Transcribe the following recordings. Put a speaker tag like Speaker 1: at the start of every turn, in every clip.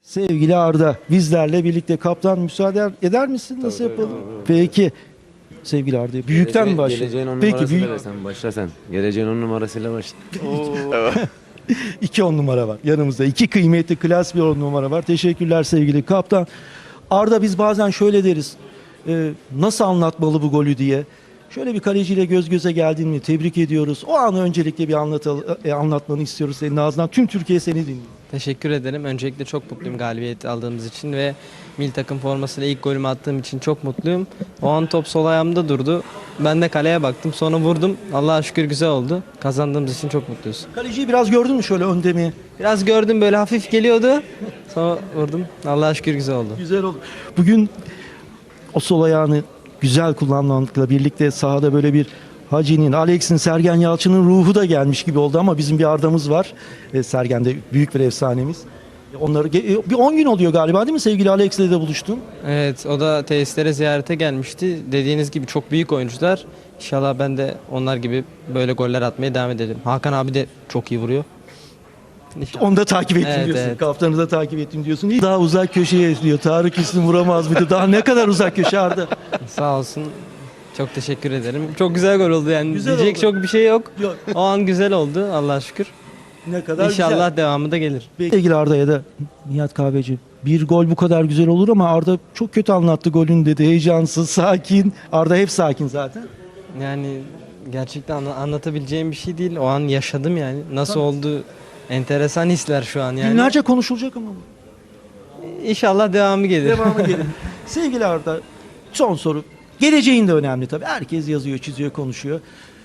Speaker 1: Sevgili Arda, bizlerle birlikte kaptan müsaade eder misin? Nasıl yapalım? Peki. Sevgili Arda, büyükten mi başlayalım?
Speaker 2: Geleceğin 10
Speaker 1: Peki,
Speaker 2: numarasıyla
Speaker 1: büyük.
Speaker 2: sen başla sen. Geleceğin 10 numarasıyla başla.
Speaker 1: 2 10 numara var yanımızda. 2 kıymetli klas bir 10 numara var. Teşekkürler sevgili kaptan. Arda, biz bazen şöyle deriz. Nasıl anlatmalı bu golü diye. Şöyle bir kaleciyle göz göze geldiğini tebrik ediyoruz. O anı öncelikle bir anlatmanı istiyoruz senin ağzından. Tüm Türkiye seni dinliyor.
Speaker 3: Teşekkür ederim. Öncelikle çok mutluyum galibiyet aldığımız için ve milli takım formasıyla ilk golümü attığım için çok mutluyum. O an top sol ayağımda durdu. Ben de kaleye baktım. Sonra vurdum. Allah'a şükür güzel oldu. Kazandığımız için çok mutluyuz.
Speaker 1: Kaleciyi biraz gördün mü şöyle önde mi?
Speaker 3: Biraz gördüm, böyle hafif geliyordu. Sonra vurdum. Allah'a şükür güzel oldu.
Speaker 1: Güzel oldu. Bugün o sol ayağını güzel kullanmakla birlikte sahada böyle bir Hacı'nin, Alex'in, Sergen Yalçın'ın ruhu da gelmiş gibi oldu ama bizim bir Arda'mız var. Sergen de büyük bir efsanemiz. Onları bir 10 gün oluyor galiba değil mi? Sevgili Alex'le de buluştun.
Speaker 3: Evet, o da tesislere ziyarete gelmişti. Dediğiniz gibi çok büyük oyuncular. İnşallah ben de onlar gibi böyle goller atmaya devam edelim. Hakan abi de çok iyi vuruyor. İnşallah.
Speaker 1: Onu da takip ettim
Speaker 3: Evet,
Speaker 1: diyorsun.
Speaker 3: evet.
Speaker 1: Kaptanı da takip ettim diyorsun. Daha uzak köşeye esniyor. Tarık Üstün vuramaz mıydı? Daha ne kadar uzak köşe Arda?
Speaker 3: Sağ olsun. Çok teşekkür ederim. Çok güzel gol oldu yani.
Speaker 1: Güzel
Speaker 3: Diyecek
Speaker 1: oldu.
Speaker 3: çok bir şey yok.
Speaker 1: Yok.
Speaker 3: O an güzel oldu Allah'a şükür.
Speaker 1: Ne kadar
Speaker 3: İnşallah
Speaker 1: güzel.
Speaker 3: devamı da gelir.
Speaker 1: Sevgili Arda'ya da Nihat Kahveci, bir gol bu kadar güzel olur ama Arda çok kötü anlattı golün dedi. Heyecansız, sakin. Arda hep sakin zaten.
Speaker 3: Yani gerçekten anlatabileceğim bir şey değil. O an yaşadım yani. Nasıl oldu? Enteresan hisler şu an yani.
Speaker 1: Günlerce konuşulacak ama.
Speaker 3: İnşallah devamı gelir.
Speaker 1: Devamı gelin. Sevgili Arda, son soru. Geleceğin de önemli tabii. Herkes yazıyor, çiziyor, konuşuyor.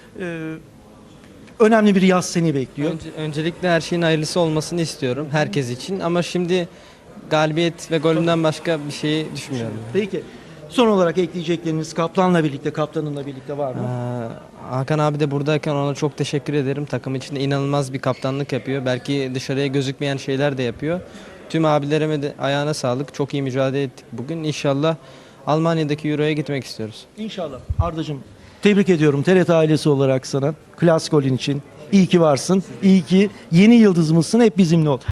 Speaker 1: Önemli bir yaz seni bekliyor.
Speaker 3: Öncelikle her şeyin hayırlısı olmasını istiyorum herkes için. Ama şimdi galibiyet ve golümden başka bir şeyi düşünmüyorum.
Speaker 1: Peki. Son olarak ekleyecekleriniz kaptanla birlikte, kaptanınla birlikte var mı?
Speaker 3: Hakan abi de buradayken ona çok teşekkür ederim. Takım içinde inanılmaz bir kaptanlık yapıyor. Belki dışarıya gözükmeyen şeyler de yapıyor. Tüm abilerime de ayağına sağlık. Çok iyi mücadele ettik bugün. İnşallah Almanya'daki Euro'ya gitmek istiyoruz.
Speaker 1: İnşallah. Ardacığım, tebrik ediyorum TRT ailesi olarak sana. Klas golün için. İyi ki varsın. İyi ki yeni yıldızımızsın. Hep bizimle ol.